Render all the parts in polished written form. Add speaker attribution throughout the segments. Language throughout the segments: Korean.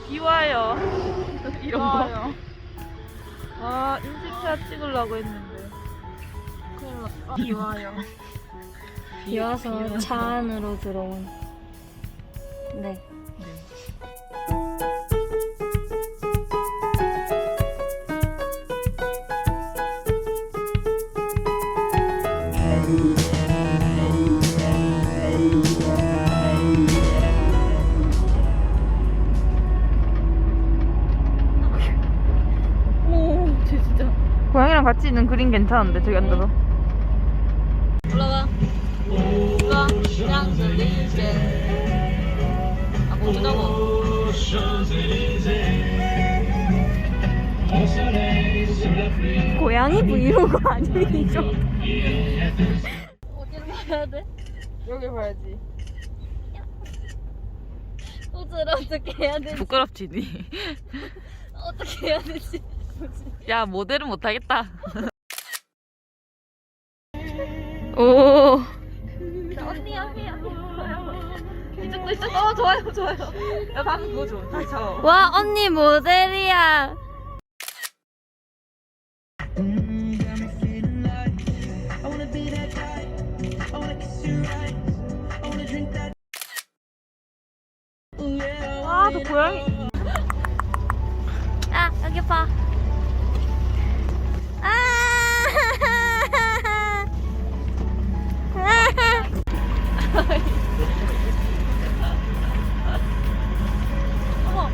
Speaker 1: 비 와요. 이런 거.
Speaker 2: 좋아요.
Speaker 1: 아, 인증샷 찍으려고 했는데.
Speaker 2: 큰일 났다. 비 와요.
Speaker 3: 비 와서 차 안으로 들어온. 네.
Speaker 1: 오, 쟤 진짜. 고양이랑 같이 있는 그림 괜찮은데, 저기 앉아서.
Speaker 2: 올라가. 올라가. 샹젤리제. 아, 공주자고.
Speaker 3: 고양이 브이로그 아니죠?
Speaker 2: 어디로 가야 돼?
Speaker 1: 여기 봐야지.
Speaker 2: 호주를 어떻게 해야 되지?
Speaker 1: 부끄럽지, 니.
Speaker 2: 어떻게 해야 되지?
Speaker 1: 야, 모델은 못하겠다. 오.
Speaker 2: 언니, 언니, 언니.
Speaker 1: 이쪽도 있어. 좋아요, 좋아요. 야, 방금 그거 줘. 다시 잡아.
Speaker 3: 와, 언니 모델이야.
Speaker 1: 아, 저 고양이.
Speaker 3: 아, 여기 봐. 아!
Speaker 2: 어머.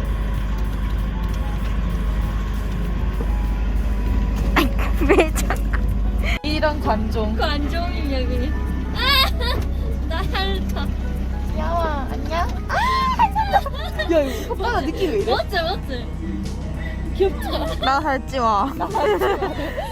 Speaker 3: 왜 자꾸.
Speaker 1: 이런 관종.
Speaker 2: 그 안 좋은 여기. 아! 나 핥아.
Speaker 3: 귀여워. 안녕?
Speaker 1: 야, 이거 오빠가 느낌이 왜 이래?
Speaker 2: 멋져, 멋져. 귀엽다.
Speaker 1: 나 살지 마.